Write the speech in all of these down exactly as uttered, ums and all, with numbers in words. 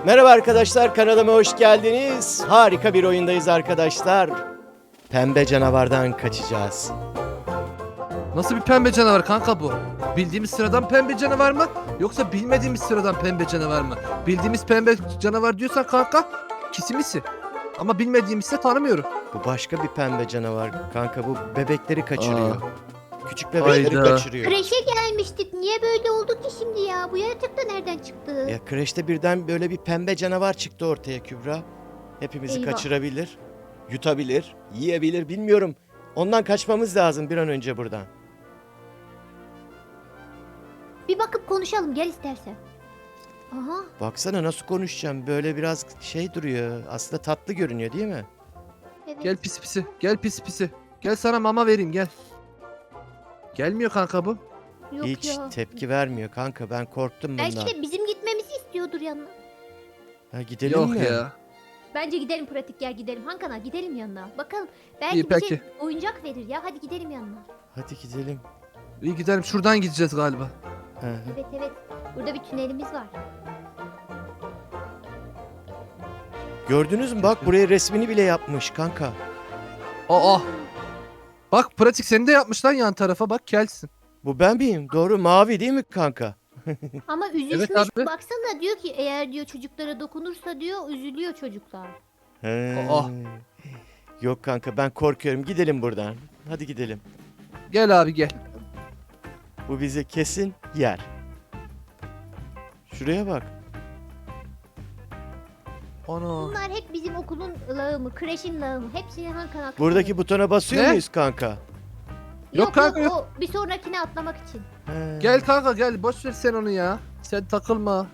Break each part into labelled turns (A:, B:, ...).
A: Merhaba arkadaşlar, kanalıma hoş geldiniz. Harika bir oyundayız arkadaşlar. Pembe canavardan kaçacağız.
B: Nasıl bir pembe canavar kanka bu? Bildiğimiz sıradan pembe canavar mı? Yoksa bilmediğimiz sıradan pembe canavar mı? Bildiğimiz pembe canavar diyorsan kanka kisimisi. Ama bilmediğimizse tanımıyorum.
A: Bu başka bir pembe canavar kanka, bu bebekleri kaçırıyor.
B: Aa.
A: Küçük bebekleri
B: Hayda.
A: kaçırıyor.
C: Kreşe gelmiştik. Niye böyle oldu ki şimdi ya? Bu yaratık da nereden çıktı?
A: Ya kreşte birden böyle bir pembe canavar çıktı ortaya Kübra. Hepimizi
C: Eyvah.
A: kaçırabilir, yutabilir, yiyebilir, bilmiyorum. Ondan kaçmamız lazım bir an önce buradan.
C: Bir bakıp konuşalım gel istersen. Aha.
A: Baksana nasıl konuşacağım, böyle biraz şey duruyor. Aslında tatlı görünüyor değil mi?
C: Evet.
B: Gel pis pisi. Gel pis pisi. Gel sana mama vereyim gel. Gelmiyor kanka bu.
C: Yok
A: Hiç
C: ya.
A: tepki vermiyor kanka, ben korktum bundan.
C: Belki de bizim gitmemizi istiyordur yanına.
A: Ha, gidelim
B: Yok
A: mi?
B: ya.
C: Bence gidelim pratik gel gidelim. Hankana gidelim yanına. Bakalım belki
B: İyi,
C: bir
B: peki.
C: şey oyuncak verir ya. Hadi gidelim yanına.
A: Hadi gidelim.
B: İyi gidelim şuradan gideceğiz galiba.
A: Hı hı.
C: Evet evet. Burada bir tünelimiz var.
A: Gördünüz mü, bak buraya resmini bile yapmış kanka.
B: Aa. Bak pratik seni de yapmış lan yan tarafa bak kelsin.
A: Bu ben miyim? Doğru, mavi değil mi kanka?
C: Ama üzülmüş.
B: Evet abi.
C: Baksana diyor ki eğer diyor çocuklara dokunursa diyor üzülüyor çocuklar.
A: He.
B: Aa.
A: Yok kanka, ben korkuyorum, gidelim buradan. Hadi gidelim.
B: Gel abi gel.
A: Bu bizi kesin yer. Şuraya bak.
B: Ana.
C: Bunlar hep bizim okulun lağımı, kreşin lağımı. Hepsini Hankana atıyor.
A: Buradaki butona basıyor
B: Ne?
A: muyuz kanka?
C: Yok
B: Yok kanka,
C: yok, o bir sonrakine atlamak için.
A: He.
B: Gel kanka gel boş ver sen onu ya. Sen takılma.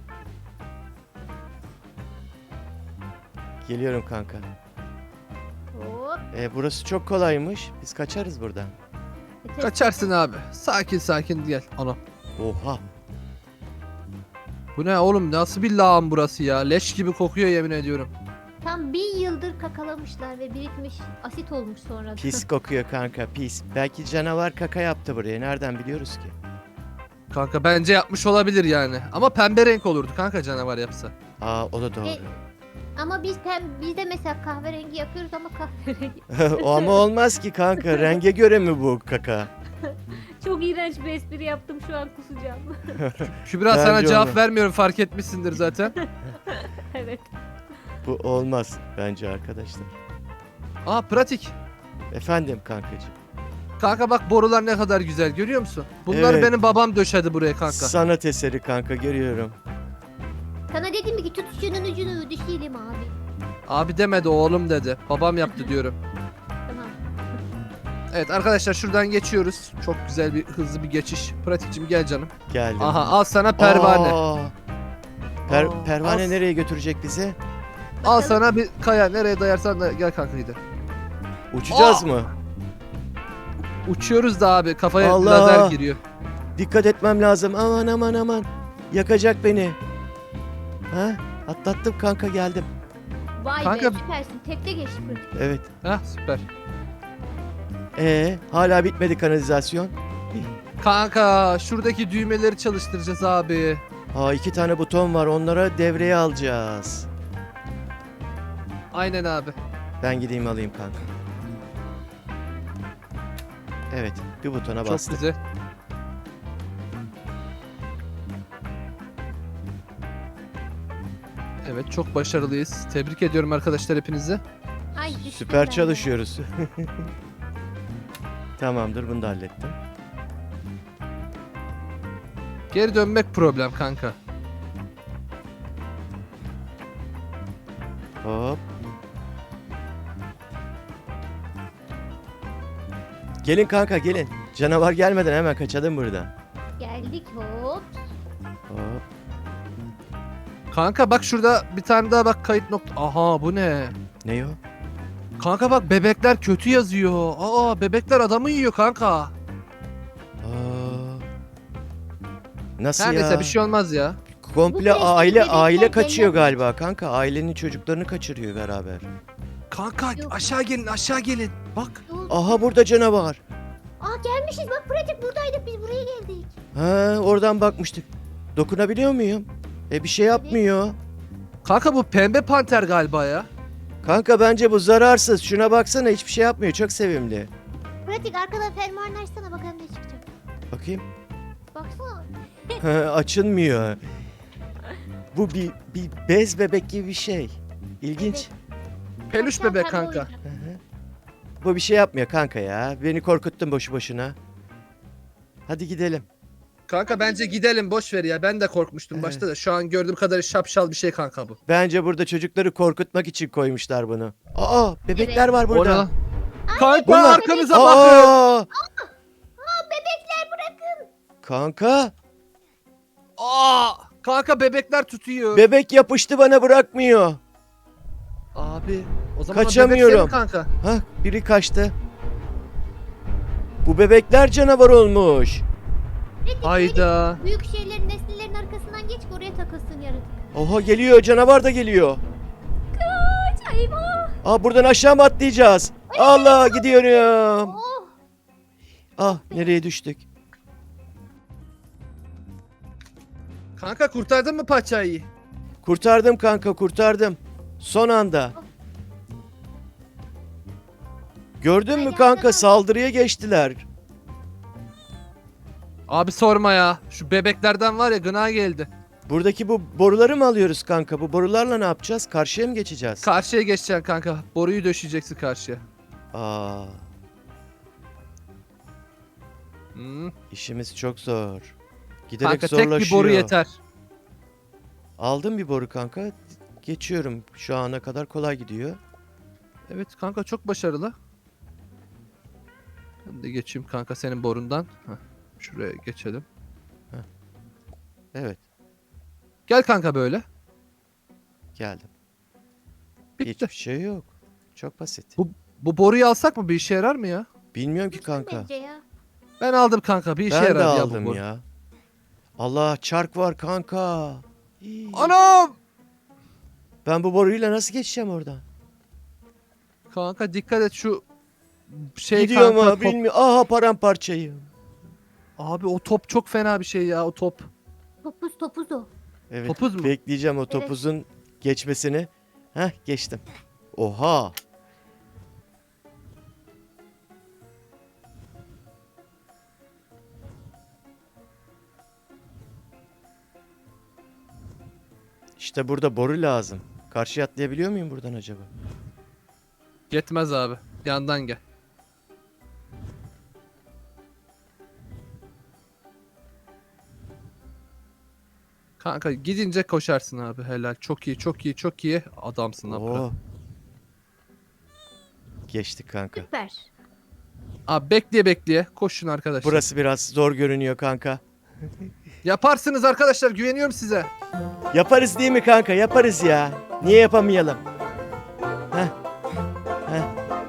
A: Geliyorum kanka.
C: Hop.
A: E, burası çok kolaymış. Biz kaçarız buradan.
C: Yeter.
B: Kaçarsın abi. Sakin sakin gel. Ana.
A: Oha.
B: Bu ne oğlum nasıl bir lağım burası ya. Leş gibi kokuyor yemin ediyorum.
C: Tam bin yıldır kakalamışlar ve birikmiş asit olmuş sonra.
A: Pis kokuyor kanka, pis. Belki canavar kaka yaptı buraya. Nereden biliyoruz ki?
B: Kanka bence yapmış olabilir yani. Ama pembe renk olurdu kanka canavar yapsa.
A: Aa, o da doğru.
C: E- Ama biz pem, biz de mesela kahverengi yapıyoruz ama kahverengi.
A: O ama olmaz ki kanka. Renge göre mi bu kaka?
C: Çok iğrenç bir espri yaptım şu an kusacağım.
B: Kübra
A: Bence
B: sana cevap
A: olmaz.
B: vermiyorum fark etmişsindir zaten.
C: Evet.
A: Bu olmaz bence arkadaşlar.
B: Aa pratik.
A: Efendim kankacığım.
B: Kanka bak borular ne kadar güzel görüyor musun? Bunları
A: Evet.
B: benim babam döşedi buraya kanka.
A: Sanat eseri kanka, görüyorum.
C: Sana dedim ki tut şunun ucunu düşelim abi.
B: Abi demedi oğlum dedi. Babam yaptı diyorum.
C: Tamam.
B: Evet arkadaşlar şuradan geçiyoruz. Çok güzel bir hızlı bir geçiş. Pratikçim gel canım.
A: Geldim.
B: Aha al sana pervane.
A: Aa, per-
B: Aa,
A: pervane
B: al.
A: nereye götürecek bizi?
B: Al sana bir kaya nereye dayarsan da gel kanka gidelim.
A: Uçacağız
B: Aa.
A: mı?
B: Uçuyoruz da abi kafaya
A: Allah.
B: lazer giriyor.
A: Dikkat etmem lazım. Aman aman aman. Yakacak beni. Ha? Atlattım kanka, geldim.
C: Vay
B: Kanka-
C: be süpersin. Tekte geçti pratik.
A: Evet.
B: Hah süper.
A: Ee, hala bitmedi kanalizasyon.
B: Kanka şuradaki düğmeleri çalıştıracağız abi.
A: Aa, iki tane buton var. Onlara devreye alacağız.
B: Aynen abi.
A: Ben gideyim alayım kanka. Evet, bir butona
B: Çok
A: bastım.
B: güzel. Evet çok başarılıyız. Tebrik ediyorum arkadaşlar hepinizi.
C: Ay düştüm
A: Süper
C: ben de.
A: çalışıyoruz. Tamamdır, bunu da hallettim.
B: Geri dönmek problem kanka.
A: Hop. Gelin kanka, gelin. Canavar gelmeden hemen kaçalım buradan.
C: Geldik hop.
A: Hop.
B: Kanka bak şurada bir tane daha bak kayıt nokta. Aha bu ne?
A: Ne o?
B: Kanka bak bebekler kötü yazıyor. Aa bebekler adamı yiyor kanka.
A: Aa. Nasıl
B: Her
A: ya?
B: neyse bir şey olmaz ya.
C: Bu
A: Komple
C: kreşteki
A: aile
C: bebekler
A: aile kaçıyor
C: cennet.
A: galiba kanka. Ailenin çocuklarını kaçırıyor beraber.
B: Kanka
C: Yok.
B: aşağı gelin aşağı gelin. Bak.
C: Ne oldu?
A: Aha, burada canavar.
C: Aa gelmişiz bak pratik buradaydık biz buraya geldik.
A: Ha, oradan bakmıştık. Dokunabiliyor muyum? E bir şey yapmıyor.
B: Kanka bu pembe panter galiba ya.
A: Kanka bence bu zararsız. Şuna baksana, hiçbir şey yapmıyor. Çok sevimli.
C: Pratik arkadan fermuarını açsana bakalım ne çıkacak.
A: Bakayım.
C: Baksana.
A: Açılmıyor. Bu bir, bir bez bebek gibi bir şey. İlginç.
B: Peluş
C: Sen
B: bebek
C: pembe
B: kanka.
C: oyuncak.
A: Hı hı. Bu bir şey yapmıyor kanka ya. Beni korkuttun boşu boşuna. Hadi gidelim.
B: Kanka bence gidelim, boş ver ya. Ben de korkmuştum
A: Evet.
B: başta da. Şu an gördüğüm kadarıyla şapşal bir şey kanka bu.
A: Bence burada çocukları korkutmak için koymuşlar bunu. Aa, bebekler var
B: O ne
A: burada.
B: lan? Kanka
A: Bunlar-
B: arkanıza bakın.
A: Aa!
C: Aa bebekler bırakın.
A: Kanka,
B: Aa! Kanka bebekler tutuyor.
A: bebek yapıştı bana, bırakmıyor.
B: Abi o zaman o
A: Kaçamıyorum.
B: bebek senin kanka.
A: Hah, biri kaçtı. Bu bebekler canavar olmuş.
C: Pratik
B: Hayda.
C: böyle büyük şeylerin nesnelerin arkasından geç ki oraya takılsın yaratık.
A: Oha, geliyor, canavar da geliyor.
C: Kaç eyvah.
A: Aa, buradan aşağı mı atlayacağız? Allah, gidiyorum.
C: Oh.
A: Ah, nereye düştük?
B: Kanka kurtardın mı paçayı?
A: Kurtardım kanka, kurtardım. Son anda. Gördün mü
C: Ay,
A: kanka,
C: yardım.
A: saldırıya geçtiler.
B: Abi sorma ya. Şu bebeklerden var ya, gına geldi.
A: Buradaki bu boruları mı alıyoruz kanka? Bu borularla ne yapacağız? Karşıya mı geçeceğiz?
B: Karşıya geçeceksin kanka. Boruyu döşeyeceksin karşıya.
A: Aa,
B: Hmm.
A: işimiz çok zor. Giderek
B: Kanka tek
A: zorlaşıyor.
B: bir boru yeter.
A: Aldım bir boru kanka. Geçiyorum. Şu ana kadar kolay gidiyor.
B: Evet kanka, çok başarılı. Ben de geçeyim kanka senin borundan. Heh, şuraya geçelim.
A: Evet,
B: Gel kanka böyle.
A: geldim.
B: Bitti.
A: Hiçbir şey yok. Çok basit.
B: Bu- Bu boruyu alsak mı, bir işe yarar mı ya?
A: Bilmiyorum ki
C: Lütfen
A: kanka.
C: bence ya.
B: Ben aldım kanka, bir işe
A: Ben de
B: yarar ya bu
A: aldım
B: boru.
A: ya. Allah, çark var kanka. İyi.
B: Anam!
A: Ben bu boruyla nasıl geçeceğim oradan?
B: Kanka dikkat et şu şey
A: Gidiyor
B: kanka,
A: mu
B: top.
A: bilmiyorum. Aha, paramparçayım.
B: Abi o top çok fena bir şey ya, o top.
C: Topuz topuz o.
A: Evet,
B: Topuz mu?
A: bekleyeceğim o topuzun geçmesini. Heh, geçtim. Oha. İşte burada boru lazım. Karşıya atlayabiliyor muyum buradan acaba?
B: Yetmez abi. Yandan gel. Kanka gidince koşarsın abi, helal. Çok iyi, çok iyi, çok iyi. Adamsın abi.
A: Oo. Geçtik kanka.
C: Süper.
B: Abi bekleye bekleye koşun arkadaşlar.
A: Burası biraz zor görünüyor kanka.
B: Yaparsınız arkadaşlar, güveniyorum size.
A: Yaparız değil mi kanka? Yaparız ya. Niye yapamayalım? Heh. Heh.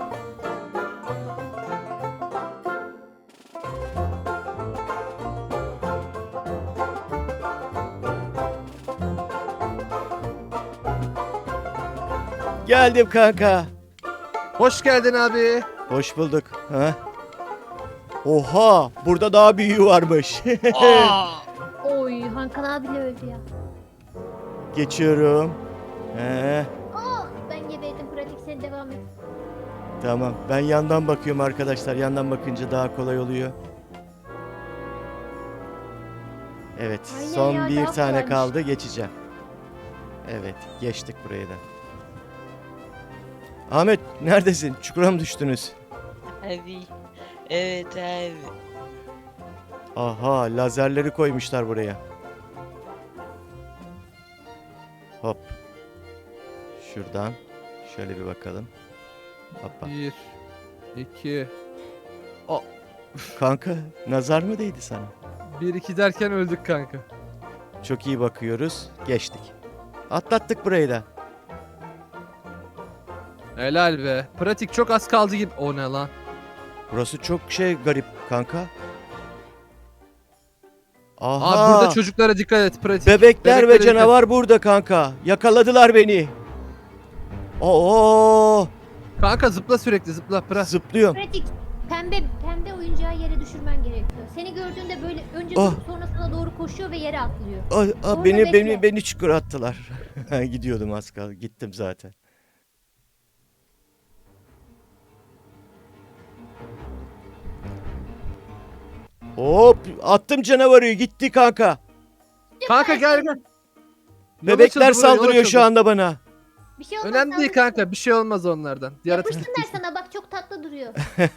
A: Geldim kanka.
B: Hoş geldin abi.
A: Hoş bulduk. Ha? Oha, burada daha büyüğü varmış.
B: Aa!
C: Oy Hankan abi bile öldü ya.
A: Geçiyorum. He,
C: Oh ben geberdim pratik sen devam et.
A: tamam. Ben yandan bakıyorum arkadaşlar. Yandan bakınca daha kolay oluyor. Evet,
C: Aynen
A: son
C: ya,
A: bir
C: daha
A: tane
C: kolaymış.
A: kaldı. Geçeceğim. Evet, geçtik burayı da. Ahmet, neredesin? Çukura mı düştünüz?
D: Abi. Evet abi.
A: Aha, lazerleri koymuşlar buraya. Hop. Şuradan şöyle bir bakalım. Hoppa.
B: Bir, iki,
A: Kanka, nazar mı değdi sana?
B: bir iki derken öldük kanka.
A: Çok iyi bakıyoruz. Geçtik. Atlattık burayı da.
B: Helal be. Pratik çok az kaldı gibi. O ne lan?
A: Burası çok şey garip kanka. Aha.
B: Abi burada çocuklara dikkat et pratik.
A: Bebekler
B: Bebeklere
A: ve
B: dikkat.
A: canavar burada kanka. Yakaladılar beni. Oo,
B: Kanka zıpla sürekli, zıpla pra.
A: zıplıyorum.
C: Pratik pembe pembe oyuncağı yere düşürmen gerekiyor. Seni gördüğünde böyle önce
A: Oh.
C: durup sonra sana doğru koşuyor ve yere atlıyor.
A: Aa, aa,
C: Orada
A: beni
C: bekle.
A: beni beni çukura attılar. Gidiyordum az kaldı. Gittim zaten. Hop attım canavarı gitti kanka.
B: Kanka gel gel. Yol
A: Bebekler
B: açıldı buraya, yol
A: saldırıyor şu
B: açıldı.
A: anda bana.
C: Bir şey olmaz.
B: Önemli değil
C: saldırı-
B: kanka, bir şey olmaz onlardan. Yaratık
C: Yapışsınlar sana bak çok tatlı duruyor.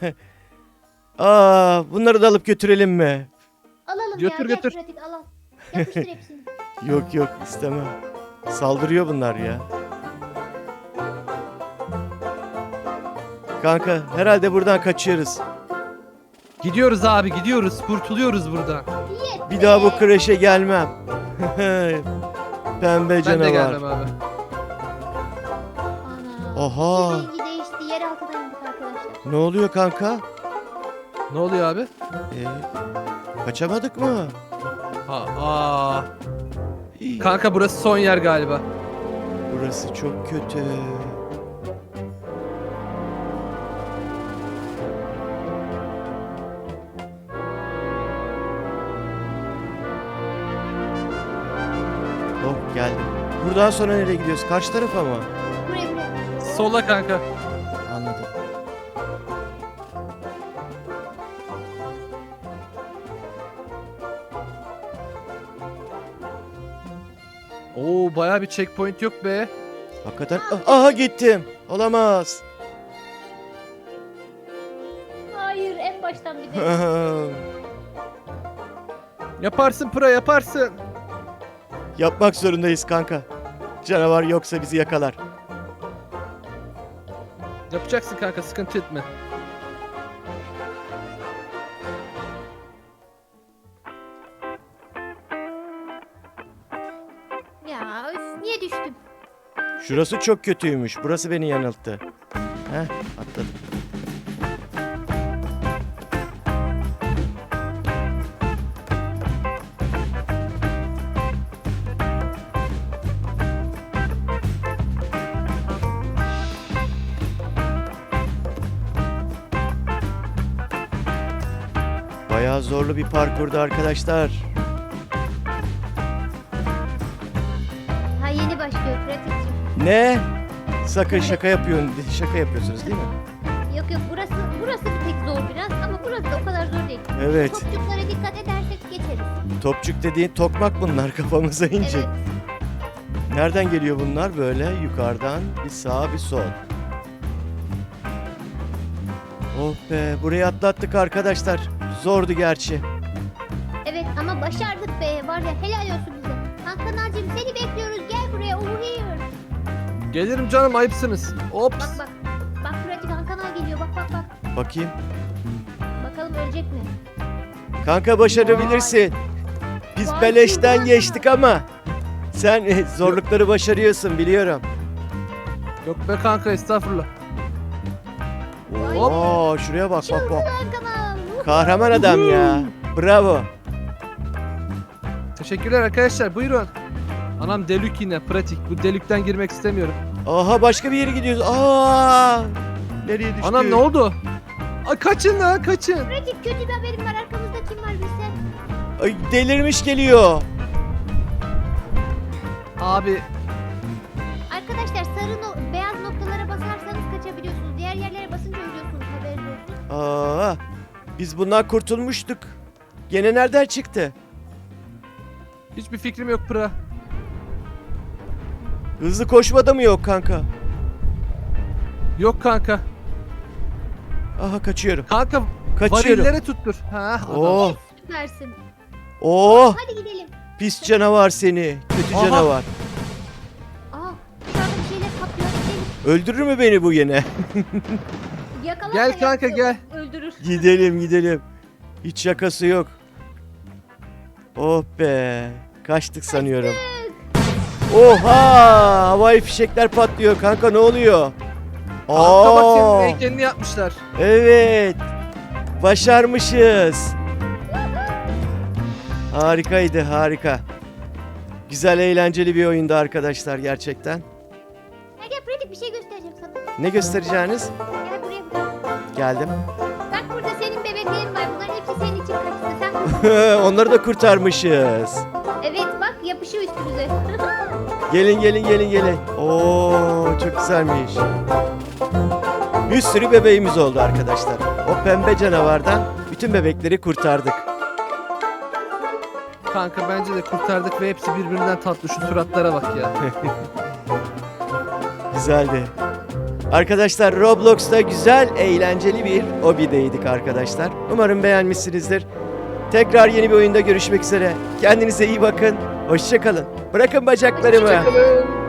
A: Aa, bunları da alıp götürelim mi?
C: Alalım
B: Götür,
C: ya.
B: götür.
C: Gel pratik al al. Yapıştır hepsini.
A: Yok yok istemem. Saldırıyor bunlar ya. Kanka herhalde buradan kaçıyoruz.
B: Gidiyoruz abi, gidiyoruz. Kurtuluyoruz buradan.
C: Yes
A: Bir
C: be.
A: daha bu kreşe gelmem. Pembe
B: Ben de
A: canavar.
B: gelmem abi.
C: Ana.
A: Oha.
C: Rengi değişti. Yer altına indik arkadaşlar.
A: Ne oluyor kanka?
B: Ne oluyor abi?
A: Ee, kaçamadık mı?
B: Ha, aa. Kanka burası son yer galiba.
A: Burası çok kötü. Oh geldim. Buradan sonra nereye gidiyoruz? Karşı tarafa mı?
C: Buraya buraya.
B: Sola kanka.
A: Anladım.
B: Oo, bayağı bir checkpoint yok be.
A: Hakikaten. Ah, aha gittim. Olamaz.
C: Hayır en baştan bir de.
B: Yaparsın Pıra, yaparsın.
A: Yapmak zorundayız kanka. Canavar yoksa bizi yakalar.
B: Yapacaksın kanka, sıkıntı etme.
C: Ya üf, niye düştüm?
A: Şurası çok kötüymüş. Burası beni yanılttı. Heh atladım. Bayağı zorlu bir parkurdu arkadaşlar.
C: Ha yeni başlıyor pratikçim.
A: Ne? Sakın şaka yapıyorsun. Şaka yapıyorsunuz değil mi?
C: Yok yok burası burası bir tek zor biraz ama burası da o kadar zor değil.
A: Evet.
C: Topçuklara dikkat edersek geçeriz.
A: Topçuk dediğin tokmak bunlar kafamıza inecek.
C: Evet.
A: Nereden geliyor bunlar? Böyle yukarıdan bir sağ bir sol. Oh be burayı atlattık arkadaşlar. Zordu gerçi.
C: Evet ama başardık be var ya helal olsun bize. Hakan ağacım seni bekliyoruz gel buraya over here.
B: Gelirim canım, ayıpsınız. Ops.
C: Bak bak. Bak pratik Hakan ağa geliyor bak bak bak.
A: Bakayım.
C: Bakalım ölecek mi?
A: Kanka başarabilirsin. Biz
C: Vay
A: beleşten
C: canına.
A: geçtik ama sen e, zorlukları başarıyorsun biliyorum.
B: Yok be kanka, estağfurullah.
C: Vay
B: Hop.
A: Oo şuraya bak bak
C: Çılgın
A: bak.
C: Hakan ağa.
A: Kahraman adam ya. Bravo.
B: Teşekkürler arkadaşlar, buyurun. Anam delük yine, pratik. Bu delükten girmek istemiyorum.
A: Aha başka bir yere gidiyoruz. Aa! Nereye düştük?
B: Anam ne oldu? Ay kaçın lan, kaçın.
C: Pratik kötü bir haberim var arkamızda kim var bilsen.
A: Ay, delirmiş geliyor.
B: Abi
C: Arkadaşlar sarı no- beyaz noktalara basarsanız kaçabiliyorsunuz. Diğer yerlere basınca ölüyorsunuz haberiniz olsun.
A: Aa! Biz bundan kurtulmuştuk. Gene nereden çıktı?
B: hiçbir fikrim yok Pıra.
A: Hızlı koşmada mı yok kanka?
B: Yok kanka.
A: Aha kaçıyorum.
B: Kanka
A: Kaçıyorum.
B: varillere tuttur. Ha, adam.
A: Oh!
C: Süpersin.
A: Oh!
C: Hadi gidelim.
A: Pis canavar seni. Kötü
B: Aha.
A: canavar.
C: Aa dışarıda bir şeyler patlıyor. Gidelim.
A: Öldürür mü beni bu yine?
C: Yakalarsa
B: Gel kanka,
C: yakıyor,
B: gel.
C: Öldürür.
A: Gidelim gidelim. Hiç şakası yok. Oh be. Kaçtık sanıyorum. Oha! Havai fişekler patlıyor kanka ne oluyor?
B: Kanka bak, senin
A: Aa!
B: heykelini yapmışlar.
A: Evet. Başarmışız. Harikaydı harika. Güzel eğlenceli bir oyundu arkadaşlar gerçekten.
C: Gel gel pratik bir şey göstereceğim sana.
A: Ne göstereceğiniz?
C: Gel buraya buraya.
A: Geldim.
C: Bak burada senin bebeklerin var. Bunların hepsi senin için kaçtı. Sen
A: Onları da kurtarmışız.
C: evet bak yapışıyor üstümüze.
A: Gelin gelin gelin gelin. Oo çok güzelmiş. Bir sürü bebeğimiz oldu arkadaşlar. O pembe canavardan bütün bebekleri kurtardık.
B: Kanka bence de kurtardık ve hepsi birbirinden tatlı. Şu suratlara bak ya.
A: Güzeldi. Arkadaşlar Roblox'ta güzel, eğlenceli bir hobideydik arkadaşlar. Umarım beğenmişsinizdir. Tekrar yeni bir oyunda görüşmek üzere. Kendinize iyi bakın. Hoşça kalın. Bırakın bacaklarımı.
B: Hoşçakalın.